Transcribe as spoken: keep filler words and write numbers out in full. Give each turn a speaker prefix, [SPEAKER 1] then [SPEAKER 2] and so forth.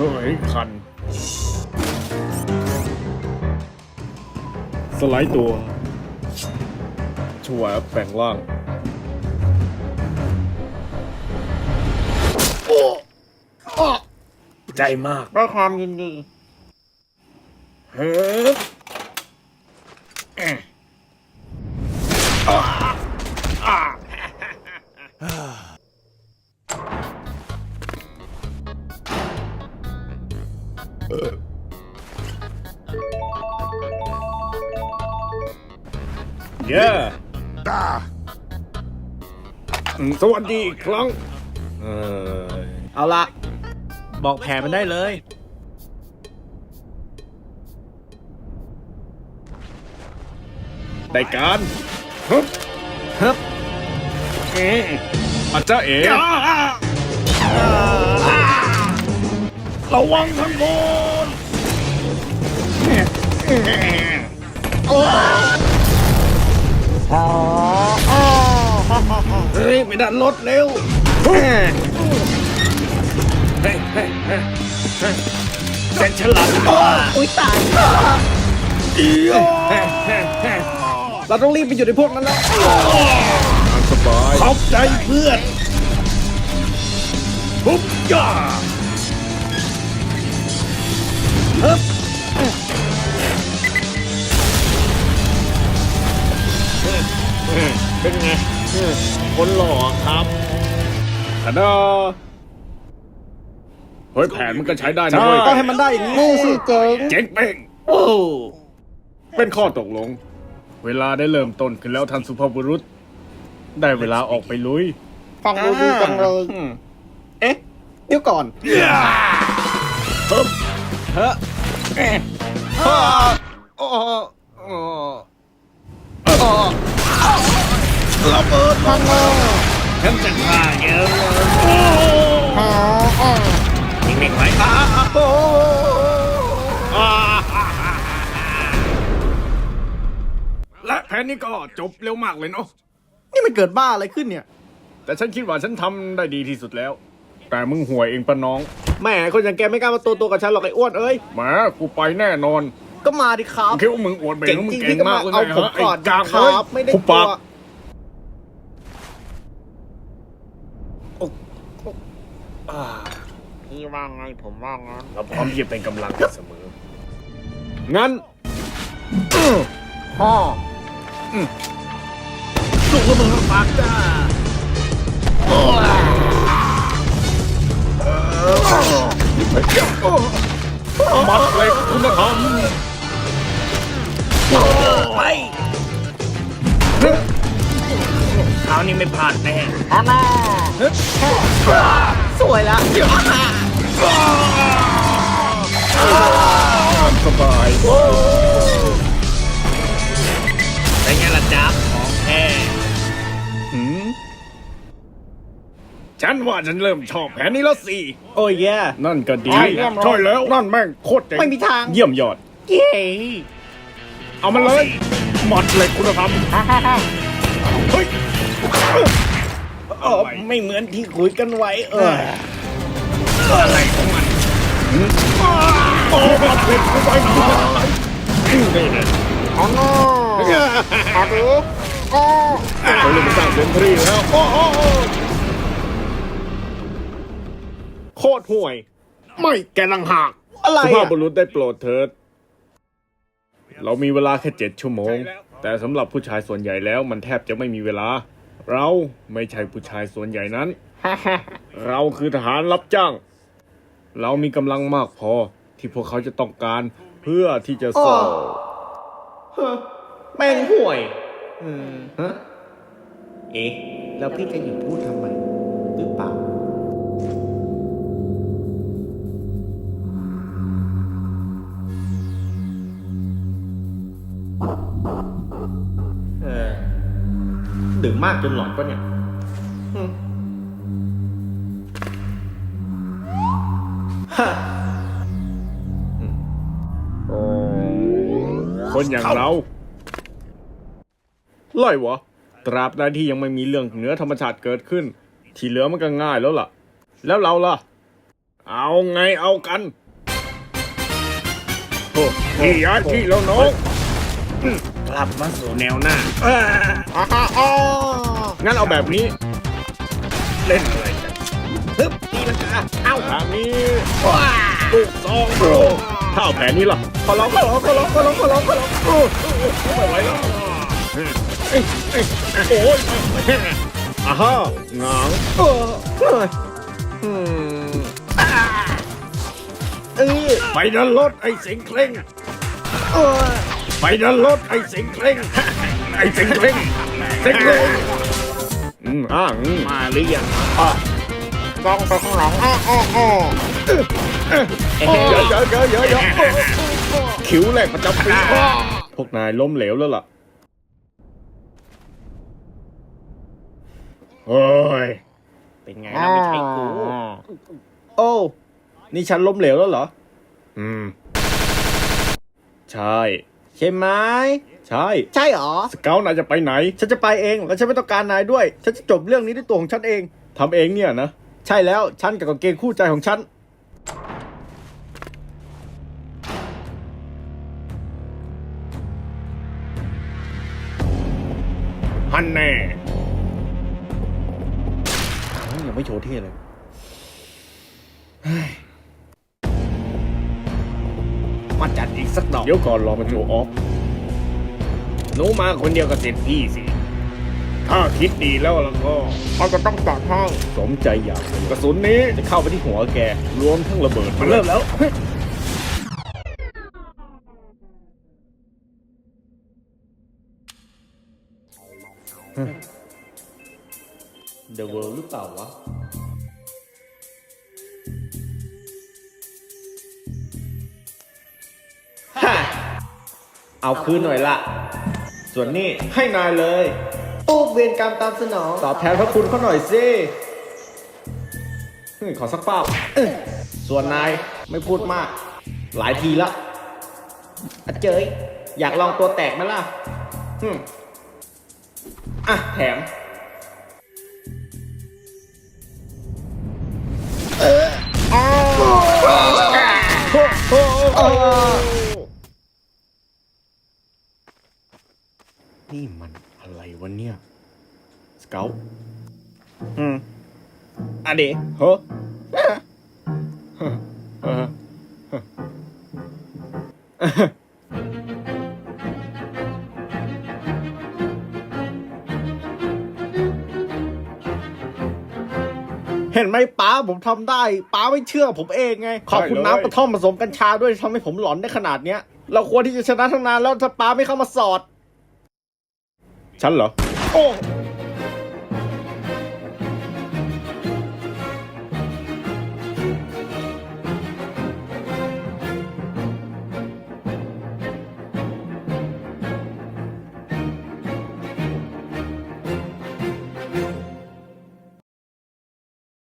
[SPEAKER 1] ยคันสไลด์ตัวชัวร์แปลงร่างโอ้ใจมาก
[SPEAKER 2] ด้วยความยินดี
[SPEAKER 1] เฮ้ยเย้สวัสดีอีกครั้งเออ
[SPEAKER 2] เอาละบอกแผนมันได้เลย
[SPEAKER 1] ได้การฮึบ
[SPEAKER 2] ฮึบ
[SPEAKER 1] เอ๋อาจารย์เอ๋ระวังทั้งหมดเฮ้ยไม่ดันรถเร็วเฮ้ยเฮ้ยเฮ้ยเฮ้ยเส้นฉลาด
[SPEAKER 2] อุ้ยตายเราต้องรีบไปอยู่ในพวกนั้นแล้ว
[SPEAKER 1] สบายขอบใจเพื่อนทุบย่าฮึบเป็นไงคนหล่อครับขนาดเฮ้ยแผนมันก็ใช้ได้นะเว้ย
[SPEAKER 2] ต้องให้มันได้อย่างนี้สิเจ๋ง
[SPEAKER 1] เจ๋งเป้งโอ้เป็นข้อตกลงเวลาได้เริ่มต้นขึ้นแล้วท่านสุภาพบุรุษได้เวลาออกไปลุย
[SPEAKER 2] ฟังดูดีจังเลยเอ๊ะเดี๋ยวก่อน
[SPEAKER 1] เฮ้ย
[SPEAKER 2] เฮ้ยโอ้โอ้ระเบิดพังเลย
[SPEAKER 1] ฉันจะฆ่าเยอะยิงไม่ไหวอ่ะและแผนนี้ก็จบเร็วมากเลยเนาะ
[SPEAKER 2] นี่มันเกิดบ้าอะไรขึ้นเนี่ย
[SPEAKER 1] แต่ฉันคิดว่าฉันทำได้ดีที่สุดแล้วแต่มึงห่วยเองปะน้อง
[SPEAKER 2] แม่คนอย่างแกไม่กล้ามาตัวตัวกับฉันหรอกไอ้อ้วนเอ้ย
[SPEAKER 1] แหมกูไปแน่นอน
[SPEAKER 2] ก็มาดิครับ
[SPEAKER 1] คิดว่ามึงอวดเบ่งมึงเก่งมากเลย
[SPEAKER 2] เอาผมก่อนครับไม่ได้กลัวพี่ว่าไงผมว่างั้น
[SPEAKER 1] เราพร้อมที่จะเป็นกำลังเสมองั้น
[SPEAKER 2] พ่อ
[SPEAKER 1] ลูกระเบิดปากจ้ามัดเหล็กคุณธรรม
[SPEAKER 2] ไป
[SPEAKER 1] คราวนี้ไม่พลาดแน่
[SPEAKER 2] ฮัลโหลสวยละ
[SPEAKER 1] สบายเป็นไงล่ะจ๊ะของแท้ฉันว่าฉันเริ่มชอบแผนนี้แล้วสิ
[SPEAKER 2] โอ้ยแย่
[SPEAKER 1] นั่นก็ดีใช่แล้วนั่นแม่งโคตรเจ๋ง
[SPEAKER 2] ไม่มีทาง
[SPEAKER 1] เยี่ยมยอด
[SPEAKER 2] เย้
[SPEAKER 1] เอามาเลยหมดเลยคุณธรรมเฮ้ย
[SPEAKER 2] ไม่เหมือนที่คุยกันไว้เออ
[SPEAKER 1] อะไรของมันโอ้หมดเลยคุณไปหน่อยนี่นะ
[SPEAKER 2] อ๋ออาดูโอ้
[SPEAKER 1] เขาเลยมาสร้างเซนทรีแล้วโอ้โคตรห่วยไม่แกลังหัก
[SPEAKER 2] อะไร
[SPEAKER 1] สุภาพบุรุษได้โปรดเถิดเรามีเวลาแค่เจ็ดชั่วโมงแต่สำหรับผู้ชายส่วนใหญ่แล้วมันแทบจะไม่มีเวลาเราไม่ใช่ผู้ชายส่วนใหญ่นั้น เราคือทหารรับจ้างเรามีกำลังมากพอที่พวกเขาจะต้องการเพื่อที่จะสู้
[SPEAKER 2] แม่งห่วยอืมฮะเอ๊ะแล้วพี่จะหยุดพูดทำไมหรือเปล่าเออดื่มมากจนหลอนปะเนี่ย
[SPEAKER 1] คนอย่างเราไล่วะตราบใดที่ยังไม่มีเรื่องเหนือธรรมชาติเกิดขึ้นที่เหลือมันก็ง่ายแล้วล่ะแล้วเราล่ะเอาไงเอากันโอ้พี่ยาที่แล้วน้อง
[SPEAKER 2] กลับมาสู่แนว
[SPEAKER 1] แนวหน้าอ่า
[SPEAKER 2] อ้าอ้อ
[SPEAKER 1] งั้นเอาแบบนี้ เล่นอะไรกัน
[SPEAKER 2] ฮึบตีลังกาเอ้า
[SPEAKER 1] ทางนี้
[SPEAKER 2] ว้า
[SPEAKER 1] ลูกซองโอ้ถ้าเอาแผนนี้ล่ะ
[SPEAKER 2] ขอร้องขอร้องขอร้องขอร้องขอร้องขอร้องโอ้
[SPEAKER 1] ไม่ไหวแล้วเอ้ยเอ้ยโอ้ยอ่าฮะหงาง
[SPEAKER 2] โอ้เฮ้ยอืมอ่าเออ
[SPEAKER 1] ไปดันรถไอ้สิงเคร่ง
[SPEAKER 2] โอ้ย
[SPEAKER 1] ไปดันรถไอ้สิงเคร่งไอ้สิงเคร่งสิงเคร่งอืมอ่าอืม
[SPEAKER 2] มาหรือยังอ่ะกองไปข้างหลังอ้ออ้ออ้อเอ๊ะ
[SPEAKER 1] เยอะเยอะเยอะเยอะเยอะคิ้วแรกประจำปีพวกนายล้มเหลวแล้วล่ะโอ้ย
[SPEAKER 2] เป็นไงนะไม่ใช่กูโอ้นี่ฉันล้มเหลวแล้วเหรอ
[SPEAKER 1] อืม ใช่
[SPEAKER 2] ใช่ไหม
[SPEAKER 1] ใช่
[SPEAKER 2] ใช่หรอ
[SPEAKER 1] สเกลนายจะไปไหน
[SPEAKER 2] ฉันจะไปเองแล้วฉันไม่ต้องการนายด้วย ฉันจะจบเรื่องนี้ด้วยตัวของฉันเอง
[SPEAKER 1] ทำเองเนี่ยนะ
[SPEAKER 2] ใช่แล้วฉันกับกางเกงคู่ใจของฉัน
[SPEAKER 1] ฮันแน่
[SPEAKER 2] ยังไม่โชว์เท่เลย มาจัดอีกสักดอก
[SPEAKER 1] เดี๋ยวก่อนรอมาโชว์ออฟหนูมาคนเดียวกับเสร็จพี่สิ ถ้าคิดดีแล้วแล้วก็
[SPEAKER 2] เขาจะต้องจัดให้
[SPEAKER 1] สมใจอยากกระสุนนี้จะเข้าไปที่หัวแก รวมทั้งระเบิด
[SPEAKER 2] มันเริ่มแล้ว The World หรือเปล่าวะ ฮ่า เอาคืนหน่อยละ ส่วนนี้ให้นายเลยตู้เวรกรรมตามสนอง ตอบแทนพระคุณเขาหน่อยสิเฮ้ยขอสักเป้าเอ้ยส่วนนายไม่พูดมาก หลายทีละอะเจยอยากลองตัวแตกไหมล่ะฮึมอ่ะ แถม เอออ้าวโอ้โห
[SPEAKER 1] นี่มันอะไรวะเนี่ย สเกล
[SPEAKER 2] อืมอะเด
[SPEAKER 1] เฮ้อเออ
[SPEAKER 2] เห็นไหมป้าผมทำได้ป้าไม่เชื่อผมเองไง ขอบคุณน้ำกระท่อมผสมกัญชาด้วยทำให้ผมหลอนได้ขนาดเนี้ย เราควรที่จะชนะทั้งนานแล้วถ้าป้าไม่เข้ามาสอด
[SPEAKER 1] ฉันเหรอ
[SPEAKER 2] โอ้